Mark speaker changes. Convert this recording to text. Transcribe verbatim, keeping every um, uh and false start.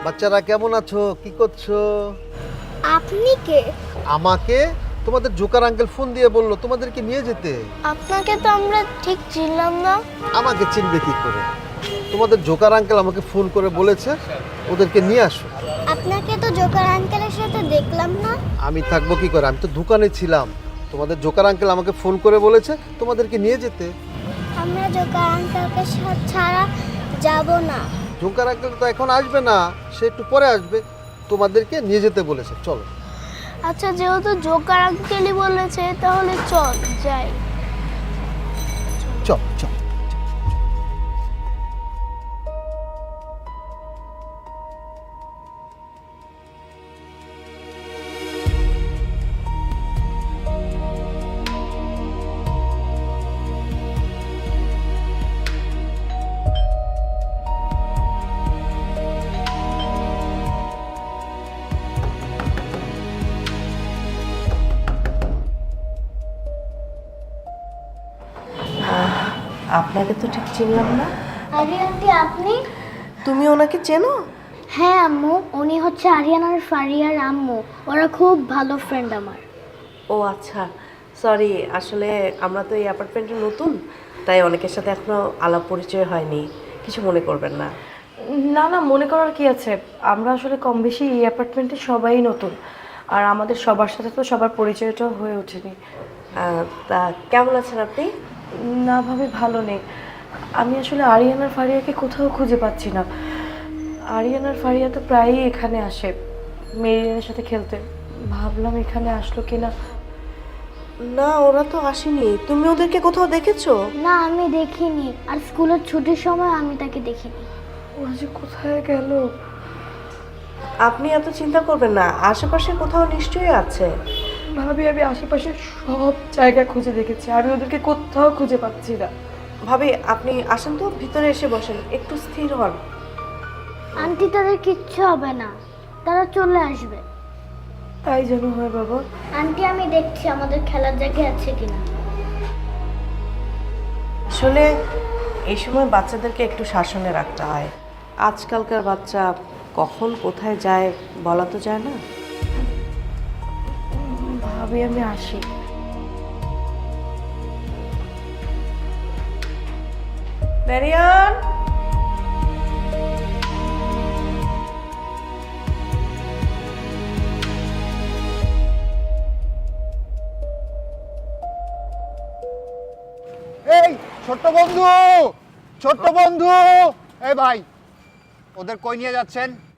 Speaker 1: বাচ্চারা কেমন আছো, কি করছো?
Speaker 2: আপনি কে?
Speaker 1: আমাকে তোমাদের জোকার আঙ্কেল ফোন দিয়ে বললো তোমাদেরকে নিয়ে যেতে।
Speaker 2: আপনাকে তো আমরা ঠিক চিনলাম না।
Speaker 1: আমাকে চিনবে কি করে? তোমাদের জোকার আঙ্কেল আমাকে ফোন করে বলেছে ওদেরকে নিয়ে আসো।
Speaker 2: আপনাকে তো জোকার আঙ্কেলের সাথে দেখলাম না।
Speaker 1: আমি থাকবো কি করে? আমি তো দোকানে ছিলাম। তোমাদের জোকার আঙ্কেল আমাকে ফোন করে বলেছে তোমাদেরকে নিয়ে যেতে।
Speaker 2: আমরা জোকার আঙ্কেলকে সাথে ছাড়া যাব না।
Speaker 1: জোকার আঙ্কেল তো এখন আসবে না, সে একটু পরে আসবে। তোমাদেরকে নিয়ে যেতে বলেছে, চলো।
Speaker 2: আচ্ছা, যেহেতু জোকার আঙ্কেলই বলেছে তাহলে চল যাই।
Speaker 1: চল চল।
Speaker 3: আপনাকে তো ঠিক চিনলাম না।
Speaker 2: আরে আন্টি, আপনি?
Speaker 3: তুমি ওনাকে চেনো?
Speaker 2: হ্যাঁ আম্মু, উনি হচ্ছে আরিয়ান আর ফারিয়ার আম্মু। ওরা খুব ভালো ফ্রেন্ড আমার।
Speaker 3: ও আচ্ছা, সরি, আসলে আমরা তো এই অ্যাপার্টমেন্টে নতুন, তাই অনেকের সাথে এখনো আলাপ পরিচয় হয়নি, কিছু মনে করবেন না।
Speaker 4: না না, মনে করার কি আছে, আমরা আসলে কম বেশি এই অ্যাপার্টমেন্টে সবাই নতুন, আর আমাদের সবার সাথে তো সবার পরিচয়টাও হয়ে ওঠেনি।
Speaker 3: আহ, তা কেমন আছেন আপনি?
Speaker 4: না ভাবে ভালো নেই। আমি আসলে আরিয়ান আর ফারিয়াকে কোথাও খুঁজে পাচ্ছি না। আরিয়ান আর ফারিয়া তো প্রায়ই এখানে আসে মেরিয়ানের সাথে খেলতে, ভাবলাম এখানে আসলো কিনা।
Speaker 3: না, ওরা তো আসেনি। তুমি ওদেরকে কোথাও দেখেছো?
Speaker 2: না, আমি দেখিনি, আর স্কুলের ছুটির সময় আমি তাকে দেখিনি।
Speaker 4: ওরা যে কোথায় গেল।
Speaker 3: আপনি এত চিন্তা করবেন না, আশেপাশে কোথাও নিশ্চয়ই আছে।
Speaker 4: ভাবি, আমি আশেপাশে সব জায়গা খুঁজে দেখেছি, আমি ওদেরকে কোথাও খুঁজে পাচ্ছি না।
Speaker 3: ভাবি, আপনি আসেন তো, ভিতরে এসে বসেন, একটু স্থির হন।
Speaker 2: আন্টি, তাদের কিচ্ছু হবে না, তারা চলে আসবে।
Speaker 4: তাই যেন হয় বাবা।
Speaker 2: আন্টি, আমি দেখছি আমাদের খেলার জায়গা আছে কিনা।
Speaker 3: আসলে এই সময় বাচ্চাদেরকে একটু শাসনে রাখতে হয়। আজকালকার বাচ্চা কখন কোথায় যায় বলা তো যায় না।
Speaker 4: ভাবি, আমি আসি।
Speaker 3: মেরিয়ান,
Speaker 5: এই ছোট্ট বন্ধু, ছোট্ট বন্ধু, এই ভাই, ওদের কই নিয়ে যাচ্ছেন?